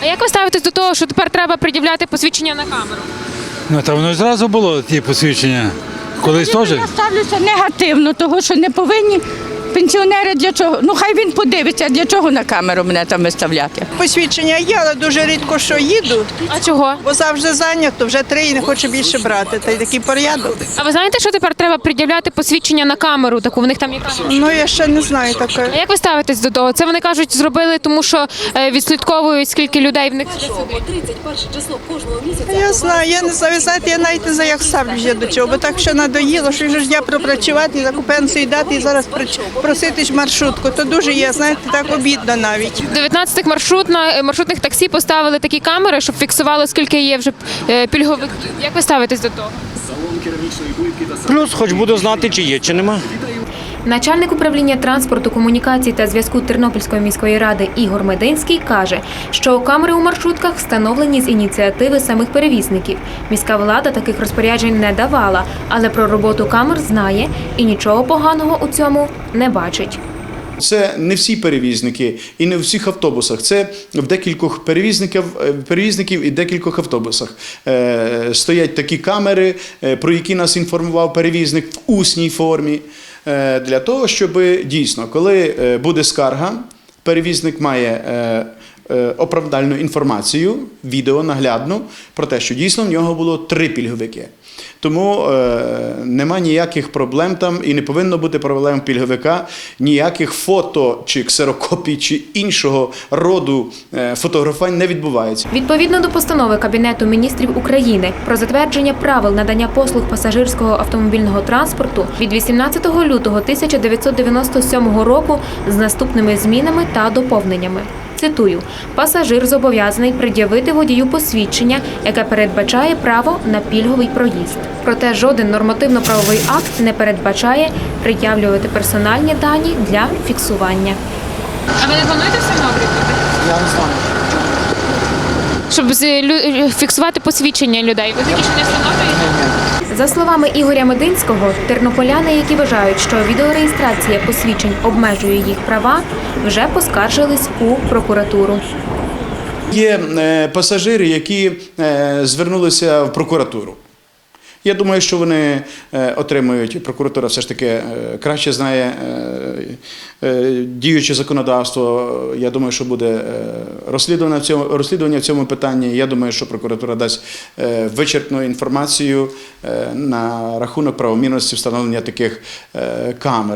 А як ви ставитесь до того, що тепер треба пред'являти посвідчення на камеру? Ну, та воно зразу було, ті посвідчення. Колись теж. Я ставлюся негативно, того що не повинні пенсіонери для чого. Ну хай він подивиться, для чого на камеру мене там виставляти. Посвідчення є, але дуже рідко що їду, А чого? бо завжди зайнято, вже 3 і не хочу більше брати. Та й такий порядок. А ви знаєте, що тепер треба пред'являти посвідчення на камеру? Таку в них там є камера. Ну я ще не знаю А таке. як ви ставитесь до того? Це вони кажуть, зробили, тому що відслідковують, скільки людей в них сидить. 31 число кожного місяця. Я знаю, я не знаю, знаєте, я навіть не знаю, як ставлюся до цього, бо так що надоїло, що вже ж я пропрацювати, таку пенсію дати і зараз просити ж маршрутку. То дуже є, знаєте, так обідно навіть. 19 маршрутних таксі поставили такі камери, щоб фіксували, скільки є вже пільговиків. Як ви ставитесь до того? Плюс хоч буду знати, чи є, чи нема. Начальник управління транспорту, комунікацій та зв'язку Тернопільської міської ради Ігор Мединський каже, що камери у маршрутках встановлені з ініціативи самих перевізників. Міська влада таких розпоряджень не давала, але про роботу камер знає і нічого поганого у цьому не бачить. Це не всі перевізники і не в всіх автобусах. Це в декількох перевізників і декількох автобусах. Стоять такі камери, про які нас інформував перевізник в усній формі. Для того, щоб дійсно, коли буде скарга, перевізник має оправдальну інформацію, відео наглядну, про те, що дійсно в нього було 3 пільговики. Тому нема ніяких проблем там і не повинно бути проблем пільговика, ніяких фото чи ксерокопій чи іншого роду фотографувань не відбувається. Відповідно до постанови Кабінету міністрів України про затвердження правил надання послуг пасажирського автомобільного транспорту від 18 лютого 1997 року з наступними змінами та доповненнями. Цитую, пасажир зобов'язаний пред'явити водію посвідчення, яке передбачає право на пільговий проїзд. Проте жоден нормативно-правовий акт не передбачає пред'явлювати персональні дані для фіксування. А ви не плануєте встановлювати? Я не знаю. Щоб фіксувати посвідчення людей. Ви такі ще не встановлюєте? За словами Ігоря Мединського, тернополяни, які вважають, що відеореєстрація посвідчень обмежує їх права, вже поскаржились у прокуратуру. Є пасажири, які звернулися в прокуратуру. Я думаю, що вони отримують, прокуратура все ж таки краще знає діюче законодавство. Я думаю, що буде розслідування в цьому питанні. Я думаю, що прокуратура дасть вичерпну інформацію на рахунок правомірності встановлення таких камер.